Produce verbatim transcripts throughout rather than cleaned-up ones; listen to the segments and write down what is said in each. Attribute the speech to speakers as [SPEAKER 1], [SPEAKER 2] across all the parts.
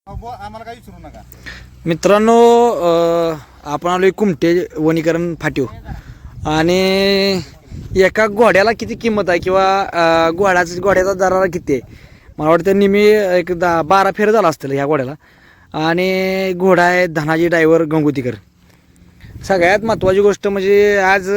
[SPEAKER 1] आम्हाला काही विचारू नका
[SPEAKER 2] मित्रांनो. आपण आलोय कुमटे वनीकरण फाटीव आणि एका घोड्याला किती किंमत आहे किंवा घोड्याचा घोड्याचा दरारा किती आहे मला वाटतं नेहमी एक दहा बारा फेर झाला असतील ह्या घोड्याला. आणि घोडा आहे धनाजी ड्रायव्हर गंगोतीकर. सगळ्यात महत्त्वाची गोष्ट म्हणजे आज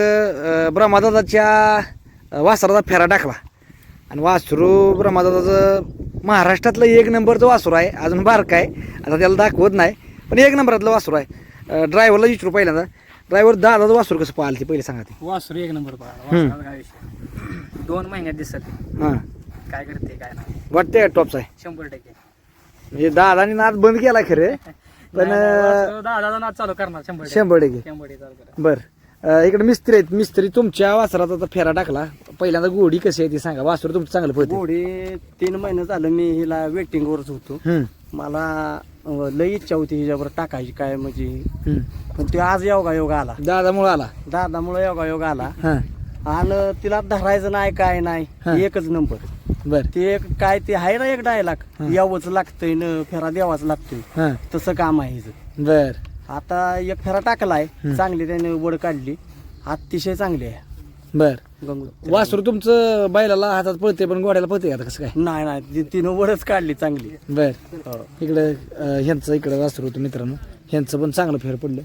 [SPEAKER 2] ब्रह्मादादाच्या वासराचा फेरा टाकला आणि वासरू ब्रह्मादादाचं महाराष्ट्रातलं एक नंबरचं वासरू आहे. अजून बारका आहे, आता त्याला दाखवत नाही, पण एक नंबरातलं वासरू आहे. ड्रायव्हरला विचारू पहिल्यांदा, ड्रायव्हर दादाचं वासरू कसं पाहिलं ते पहिले सांगा. ते
[SPEAKER 3] वासरू एक नंबर पाहिला, काय विषय दोन महिन्यात दिसत
[SPEAKER 2] हां
[SPEAKER 3] काय करते काय नाही,
[SPEAKER 2] वाटतंय टॉपचा आहे
[SPEAKER 3] शंभर टक्के.
[SPEAKER 2] म्हणजे दादानी नाद बंद केला खरे, पण
[SPEAKER 3] दादा नाच चालू करणार शंभर टक्के.
[SPEAKER 2] शंभर टक्के.
[SPEAKER 3] शंभर टक्के चालू करणार.
[SPEAKER 2] बरं, इकडे मिस्त्री आहेत. मिस्त्री तुमच्या वासरात आता फेरा टाकला, पहिल्यांदा गोडी कशी आहे ती सांगा. वासरू तुमचं चांगलं पडते.
[SPEAKER 4] घोडी तीन महिने झालं मी हिला वेटिंग वरच होतो. मला अं, लई इच्छा होती हिच्यावर टाकायची काय म्हणजे, पण ते आज योगा योग आला,
[SPEAKER 2] दादामुळे आला.
[SPEAKER 4] दादामुळे योगा योग आला.
[SPEAKER 2] हां
[SPEAKER 4] आणि तिला धरायचं नाही काय
[SPEAKER 2] हा.
[SPEAKER 4] नाही, एकच नंबर.
[SPEAKER 2] बर
[SPEAKER 4] ते एक काय ते आहे ना एक डायलॉग, यावंच लागतंय न फेरा द्यावाच लागतोय,
[SPEAKER 2] हां
[SPEAKER 4] तसं काम आहे हिचं.
[SPEAKER 2] बर
[SPEAKER 4] आता एक फेरा टाकलाय, चांगली त्याने वड काढली, अतिशय चांगली आहे.
[SPEAKER 2] बर.
[SPEAKER 4] गंगू
[SPEAKER 2] वासरू तुमचं बैलाला हातात पळते पण गोड्याला पळते आता कसं काय.
[SPEAKER 4] नाही नाही ती- तिनं वडच काढली चांगली.
[SPEAKER 2] बर.
[SPEAKER 4] हो.
[SPEAKER 2] इकडं अं, ह्यांचं इकडं वासरू होतं मित्रांनो, ह्यांचं पण चांगलं फेर पडलं.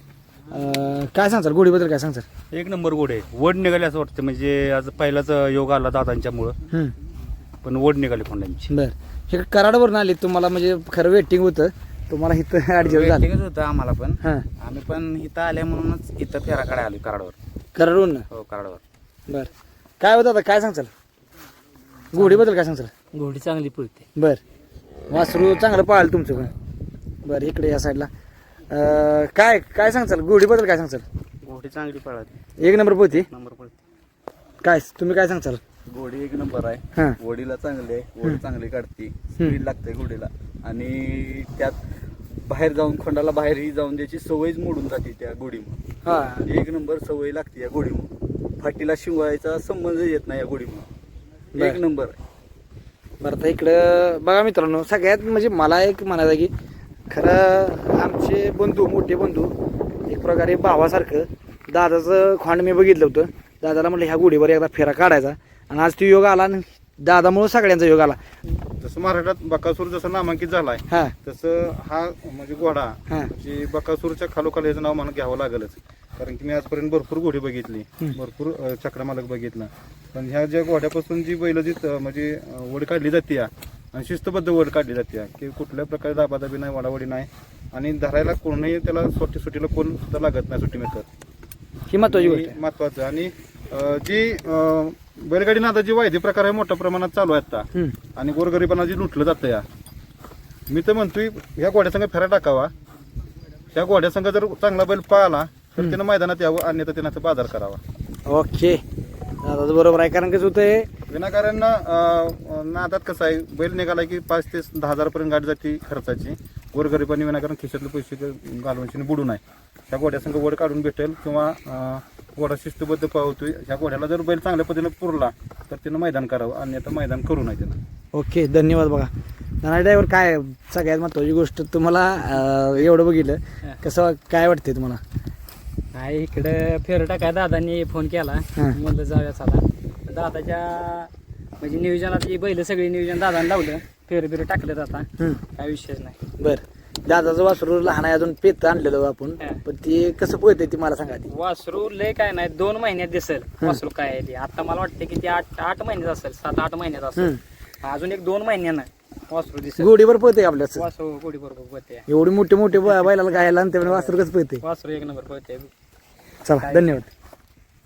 [SPEAKER 2] अं, काय सांगचाल गोडीबद्दल, काय सांगचाल.
[SPEAKER 1] एक नंबर गोड आहे. वड निघाले असं वाटतं, म्हणजे आज पहिलाच योग आला दादांच्यामुळं,
[SPEAKER 2] हम्म.
[SPEAKER 1] पण वड निघाली कोंड्यांची.
[SPEAKER 2] बर. हे कराडवरून आले तुम्हाला, म्हणजे खरं वेटिंग होतं तुम्हाला इथं ऍडजस्ट झालं.
[SPEAKER 5] वेटिंगच होतं आम्हाला पण.
[SPEAKER 2] हां
[SPEAKER 5] आम्ही पण इथं आले म्हणूनच इथं फेरा काढायला आलो कराडवर.
[SPEAKER 2] कराडवरून.
[SPEAKER 5] हो कराडवर.
[SPEAKER 2] बर. काय होतं आता, काय सांगचाल गोडीबद्दल, काय सांगचाल.
[SPEAKER 3] घोडी चांगली पळते.
[SPEAKER 2] बर. वासरू चांगलं पाळलं तुमचं पण. बरं, इकडे या साईडला अं, काय काय सांगचाल गोडीबद्दल, काय सांगचाल.
[SPEAKER 1] घोडी चांगली पळाली,
[SPEAKER 2] एक नंबर पोती.
[SPEAKER 1] नंबर पळते.
[SPEAKER 2] काय तुम्ही काय सांगचाल.
[SPEAKER 6] घोडी एक नंबर आहे.
[SPEAKER 2] हां
[SPEAKER 6] घोडीला चांगली आहे, घोडी चांगली काढते, स्पीड लागते घोडीला. आणि त्यात बाहेर जाऊन खोंडाला बाहेरही जाऊन त्याची सवयच मोडून जाते त्या घोडीमुळे.
[SPEAKER 2] हां
[SPEAKER 6] एक नंबर सवय लागते या घोडीमुळे. फाटीला शिवायचा संबंध येत नाही या घोडीमुळे. एक नंबर आहे.
[SPEAKER 2] बरं. आता इकडं बघा मित्रांनो, सगळ्यात म्हणजे मला एक म्हणायचं की खरं आमचे बंधू, मोठे बंधू, एक प्रकारे भावासारखं दादाचं खोंड मी बघितलं होतं. दादाला म्हटलं ह्या गोडीवर एकदा फेरा काढायचा, आणि आज ती योग आला आणि दादामुळं सगळ्यांचा योग आला.
[SPEAKER 1] जसं महाराष्ट्रात बकासूर जसं नामांकित झालाय,
[SPEAKER 2] हां
[SPEAKER 1] तसं हा म्हणजे घोडा
[SPEAKER 2] हां
[SPEAKER 1] म्हणजे बकासूरच्या खालोखाल याचं नाव मला घ्यावं लागलच. कारण की मी आजपर्यंत भरपूर घोडी बघितली, भरपूर अं, चक्रमालक बघितला, पण ह्या ज्या घोड्यापासून जी बैल जी अं, म्हणजे अं, वड काढली जाते आणि शिस्तबद्ध वड काढली जाते, की कुठल्या प्रकारे दाबादाबी नाही, वाडावडी नाही, आणि धरायला कोणही त्याला सोटी सुटीला कोण सुद्धा लागत नाही, सुट्टी मिळतात.
[SPEAKER 2] ही महत्वाची गोष्ट आहे.
[SPEAKER 1] महत्वाचं. आणि अं, जी अं, बैलगाडी नादा जी वायदे प्रकार आहे मोठ्या प्रमाणात चालू आहे आता,
[SPEAKER 2] हम्म.
[SPEAKER 1] आणि गोरगरिबांना जी लुटलं जातं या, मी तर म्हणतोय ह्या घोड्यासंग फेरा टाकावा. ह्या घोड्यासंग जर चांगला बैल पळाला तर त्यानं मैदानात यावं, अन्यथा त्यानं बाजार करावा.
[SPEAKER 2] ओके, दादाचं बरोबर आहे. कारण कसं होतंय,
[SPEAKER 1] विनाकारण अं, नादात कसं आहे, बैल निघाला की पाच ते दहा हजारपर्यंत गाडी जाते खर्चाची. गोरगरिबांनी विनाकारण खिशातले पैसे घालवून बुडू नये. ह्या घोड्यासंग वड काढून भेटेल, किंवा अं, घोडा शिस्तबद्ध पळवतोय, ह्या घोड्याला जर बैल चांगल्या पद्धतीने पुरला तर त्यानं मैदान करावं, अन्यथा मैदान करू नये त्यानं.
[SPEAKER 2] ओके, धन्यवाद. बघा नाना ड्रायव्हर, काय सगळ्यात महत्वाची गोष्ट तुम्हाला अं, एवढं बघितलं कसं काय वाटतंय तुम्हाला.
[SPEAKER 3] नाही, इकडं फेर टाकाय दादांनी फोन केला,
[SPEAKER 2] हां.
[SPEAKER 3] म्हणलं जाऊया चला. दादाच्या म्हणजे नियोजनात ही बैल सगळी नियोजन दादाने लावलं, फेर बिर टाकलं आता,
[SPEAKER 2] हम्म.
[SPEAKER 3] काय विषयच नाही.
[SPEAKER 2] बरं. दादाचं वासरू लहान आहे, अजून पेत आणलेलं आपण,
[SPEAKER 3] हां.
[SPEAKER 2] पण ते कसं पळतंय ते मला सांगा. ती
[SPEAKER 3] वासरू लय काय नाही, दोन महिन्यात दिसेल वासरू काय आहे ते. आता मला वाटतं की ते आठ आठ महिन्यात असेल, सात आठ महिन्यात असेल. अजून एक दोन महिन्यानं वासरू दिसेल.
[SPEAKER 2] गोडीवर पळतंय आपल्याच.
[SPEAKER 3] वासरू गोडी बरोबर पळते.
[SPEAKER 2] एवढी मोठे मोठे बै- बैलाला गायला आणि त्यामुळे वासरू कसं पळतंय.
[SPEAKER 3] वासरू एक नंबर पळते.
[SPEAKER 2] चला, धन्यवाद.